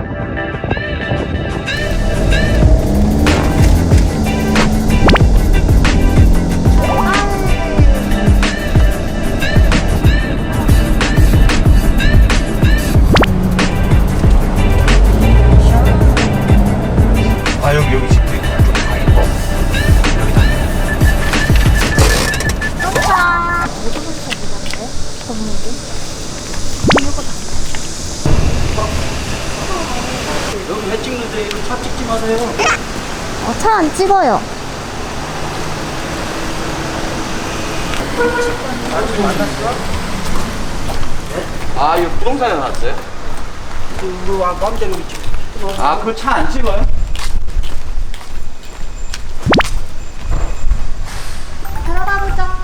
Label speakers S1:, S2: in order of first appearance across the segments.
S1: 아, 여기 집도 있다. 아, 이거. 여기 회 찍는데 이거 차 찍지 마세요.
S2: 차 안 찍어요.
S1: 아, 이거 부동산에 나왔어요?
S3: 그거 마음대로 찍지 마세요.
S1: 아, 그걸 차 안 찍어요?
S2: 들어가 보자.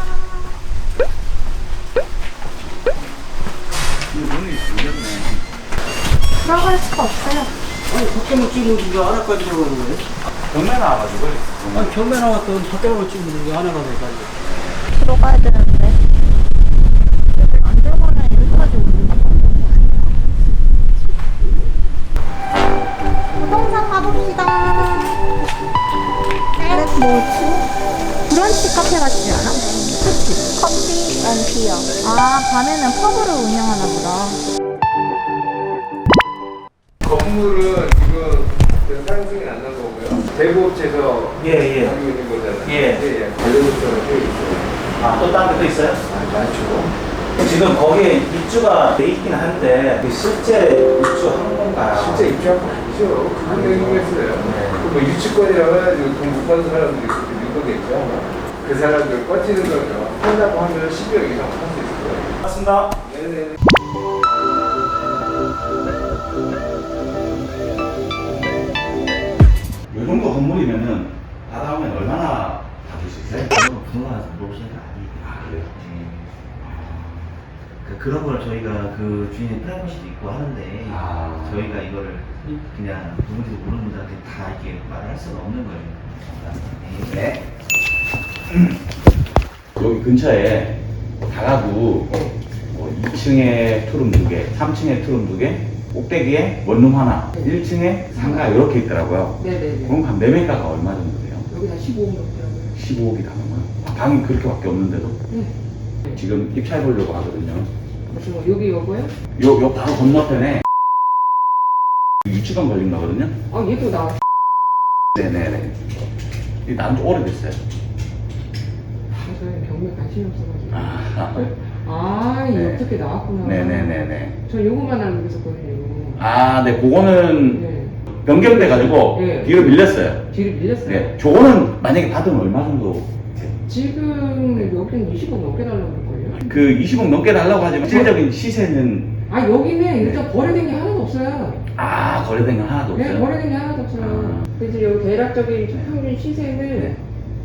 S1: 이거 문이 열렸네.
S2: 들어갈 수가 없어요.
S3: 아니 밖에만 찍는데 왜 하나까지 들어가는 거예요?
S1: 경매 나와가지고.
S3: 아니 경매 나왔던 밖에만 찍는데 왜 하나가 왜 가는 거예요?
S2: 들어가야 되는데. 안 들어가면 여기까지 오는 거 부동산 가봅시다. 뭐지? 브런치 카페 같지 않아? 그치? 커피 앤 티어. 아, 밤에는 펍으로 운영하나 보다.
S4: 건물은 지금 상승이 안 난 거고요. 대부업체에서
S1: 예.
S4: 가지고 있는 거잖아요.
S1: 예.
S4: 관련업체가 꽤 있어요.
S1: 아, 또 다른 데도 있어요?
S4: 아, 많죠.
S1: 지금 거기에 입주가 돼 있긴 한데, 실제 입주한 건가요?
S4: 실제 입주한 거 아니죠. 그분이 행동했어요. 뭐 유치권이라고 해가지고 돈 못 받는 사람들이 그렇게 는 거겠죠. 그 사람들 꺼지는 거죠. 한다고 하면 10여 이상 할 수 있을 거예요.
S1: 맞습니다.
S4: 네네.
S1: 이 정도 건물이면은 받아오면 얼마나 받을 수 있어요?
S5: 부동산에서 물어보시는 게 아니에요.
S1: 아, 그래요?
S5: 그런 걸 저희가 그 주인의 프라이버시도 있고 하는데
S1: 아.
S5: 저희가 이거를 그냥 누군지도 모르는 분들한테 다 이렇게 말을 할 수가 없는 거예요.
S1: 네. 여기 근처에 다가구 2층에 투룸 2개, 3층에 투룸 2개, 꼭대기에 원룸 하나, 1층에 상가 이렇게 있더라고요.
S6: 네네네.
S1: 그럼 한 매매가가 얼마 정도 돼요?
S6: 여기다 15억 넘더라고요.
S1: 15억이 남은 거요? 방이 그렇게밖에 없는데도?
S6: 네.
S1: 지금 입찰 보려고 하거든요.
S6: 무슨 여기 요거요?
S1: 요 바로 건너편에 유치원 걸린 거거든요?
S6: 아 얘도 나.
S1: 네네네. 이 나온 지 오래됐어요.
S6: 저는 경매 관심이 없어가지고.
S1: 아,
S6: 아, 이
S1: 네.
S6: 어떻게 나왔구나.
S1: 네네네네.
S6: 저 요거만 알고 있었거든요.
S1: 아, 네, 그거는
S6: 네.
S1: 변경돼가지고
S6: 네.
S1: 뒤로 밀렸어요.
S6: 뒤를 밀렸어요.
S1: 네, 저거는 만약에 받으면 얼마 정도?
S6: 지금
S1: 네.
S6: 여기는 20억 넘게 달라고 그럴걸요?
S1: 그 20억 넘게 달라고 하지만 실질적인 시세는
S6: 아 여기는 일단 거래된 게 하나도 없어요.
S1: 아, 거래된 건 하나도
S6: 네,
S1: 없어요?
S6: 거래된 게 하나도 없어요.
S1: 아.
S6: 그래서 여기 대략적인 평균 시세는
S1: 네.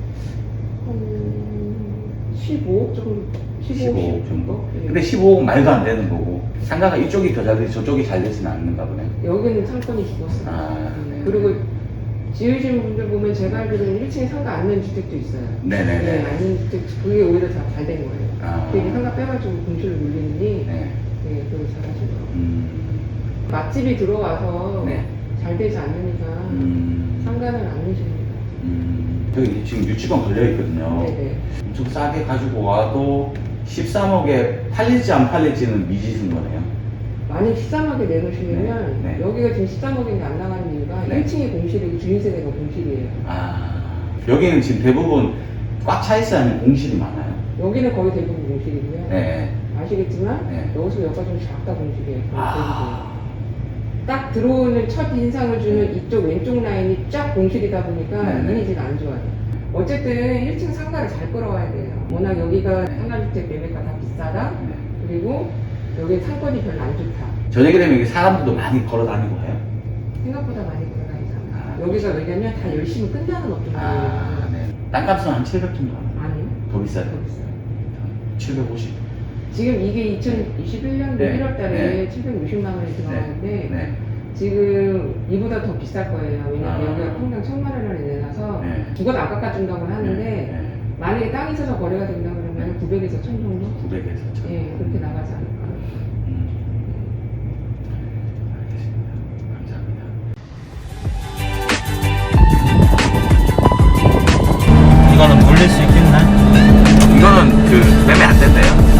S6: 한 15억 정도.
S1: 15억 정도?
S6: 네.
S1: 근데 15억 말도 안 되는 거고 상가가 이쪽이 더 잘 되지 저쪽이 잘 되지는 않는가 보네.
S6: 여기는 상권이 죽었어요.
S1: 아, 네.
S6: 그리고 지으신 분들 보면 제가 알기로는 1층에 상가 않는 주택도 있어요.
S1: 네네네.
S6: 네, 않는 주택, 그게 오히려 다 잘 된 거예요.
S1: 아.
S6: 괜히 상가 빼가지고 공실을 물리느니,
S1: 네.
S6: 네, 그걸 잘 하시더라고요. 맛집이 들어와서
S1: 네.
S6: 잘 되지 않으니까 상가는 안 내십니다.
S1: 여기 지금 유치원 걸려 있거든요.
S6: 네네.
S1: 엄청 싸게 가지고 와도 13억에 팔릴지 안 팔릴지는 미지수인 거네요.
S6: 만약 13억에 내놓으시면
S1: 네, 네.
S6: 여기가 지금 13억인데 안 나가는 이유가
S1: 네.
S6: 1층이 공실이고 주인세대가 공실이에요.
S1: 아, 여기는 지금 대부분 꽉 차 있어야 하는 공실이 많아요.
S6: 여기는 거의 대부분 공실이고요.
S1: 네.
S6: 아시겠지만
S1: 네.
S6: 여기서 여기가 좀 작다 공실이에요.
S1: 아.
S6: 딱 들어오는 첫 인상을 주는 이쪽 왼쪽 라인이 쫙 공실이다 보니까
S1: 네네.
S6: 이미지가 안 좋아요. 어쨌든 1층 상가를 잘 끌어와야 돼요. 워낙 여기가 상가주택 매매가 다 비싸다.
S1: 네.
S6: 그리고 여기 상권이 별로 안 좋다.
S1: 저녁에 되면 이게 사람들도 많이 걸어 다니고 해요.
S6: 생각보다 많이 돌아다니잖아요.
S1: 아,
S6: 여기가 왜냐면 다 열심히 끝나는 업종이에요.
S1: 아, 네. 땅값은 한 700 정도 하나요?
S6: 아니요.
S1: 더 비싸요?
S6: 더 비싸요.
S1: 750.
S6: 지금 이게 2021년도
S1: 네.
S6: 1월 달에
S1: 네.
S6: 760만 원이 들어가는데
S1: 네.
S6: 지금 이보다 더 비쌀 거예요. 왜냐면
S1: 아.
S6: 여기가 평당 1,000만 원을 내놔서
S1: 네.
S6: 죽어도 안 깎아준다고 하는데
S1: 네.
S6: 만약에 땅이 있어서 거래가 된다 그러면 900에서 1,000 정도?
S1: 900에서 1000.
S6: 예, 그렇게 나가지 않을까.
S1: 알겠습니다. 감사합니다.
S5: 매매 안 된대요.